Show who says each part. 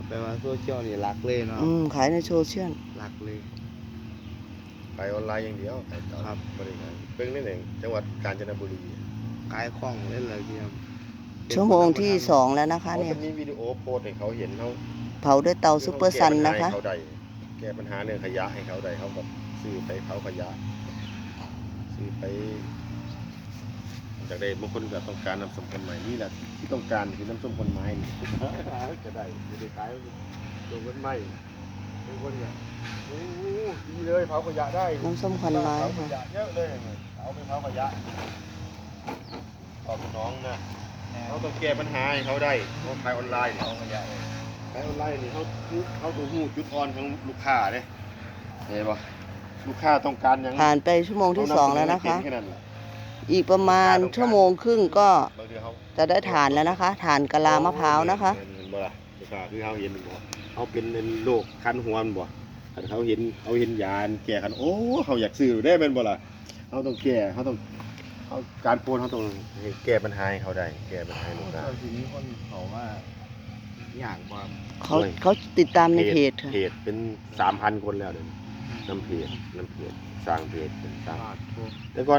Speaker 1: แปลว่าโซเชียลนี่รักเลยเนาะ
Speaker 2: ขายในโซเชียล
Speaker 1: รักเลย
Speaker 3: ขายออนไลน์อย่างเดียวขายต่อ
Speaker 1: ครับ
Speaker 3: บริการเพิ่งนี่เองจังหวัดกาญจนบุรี
Speaker 1: ขายของเล่นเลยพี่ครับ
Speaker 2: ชั่วโมงที่2แล้วนะคะ
Speaker 3: เขา
Speaker 2: เนี่ย
Speaker 3: จะมีวิดีโอโพสต์ให้เขาเห็นเขา
Speaker 2: เผาด้วยเตาซุปเปอร์ซันนะคะ
Speaker 3: แก้ปัญหาเรื่องขยะให้เขาได้เขาแบบซื้อไปเผาขยะซื้อไปจากได้บางคนก็ต้องการน้ำส้มคนใหม่นี่แหละที่ต้องการคือน้ำส้มคนไม้นี่ จะได้จะได้ขายตัวคนใหม่เป็นคนเนี่ยโอ้ดีเลยเผาขยะได้
Speaker 2: น้ำส้มควันไม้
Speaker 3: เผาข
Speaker 2: ค่ะ
Speaker 3: ยะเยอะเลยเอาไปเผาขยะตอบสนองนะเขาต้องแก้ปัญหาให้เขาได้เขาขายออนไลน์เนี่ย
Speaker 1: เอาขยะเลย
Speaker 3: ขายออนไลน์นี่เขาตัวหูจุดอ่อนของลูกค้าเนี่ยเห็นปะลูกค้าต้องการอย่าง
Speaker 2: ผ่านไปชั่วโมงที่2แล้วนะคะ
Speaker 3: แค่นั้นแหละ
Speaker 2: อีกประมาณชั่วโมงครึ่งก็
Speaker 3: บางทีเขา
Speaker 2: จะได้ฐานแล้วนะคะฐานกะลามะพร้าวนะคะ
Speaker 3: เห็นบ่ล่ะลูกค้าคือเขาเห็นบ่เขาเป็นโรคคันหัวมันบ่คันเขาเห็นยาแก้คันโอ้เขาอยากซื้อได้เป็นบ่ล่ะเขาต้องแก้เขาต้องเขาการโพสเขาต้องให้แก้ปัญหาให้เขาได้แก้ปัญหาให้ลูกค้า
Speaker 1: ทีนี้คนเขาว่าอยากว่า
Speaker 2: เขาติดตามในเพจค่ะ
Speaker 3: เพจเป็น 3,000 คนแล้วเดี๋ยวนี้น้ำเพจสร้างเพจเป็นสร้าง
Speaker 1: บาททุก
Speaker 3: แต่ก่อน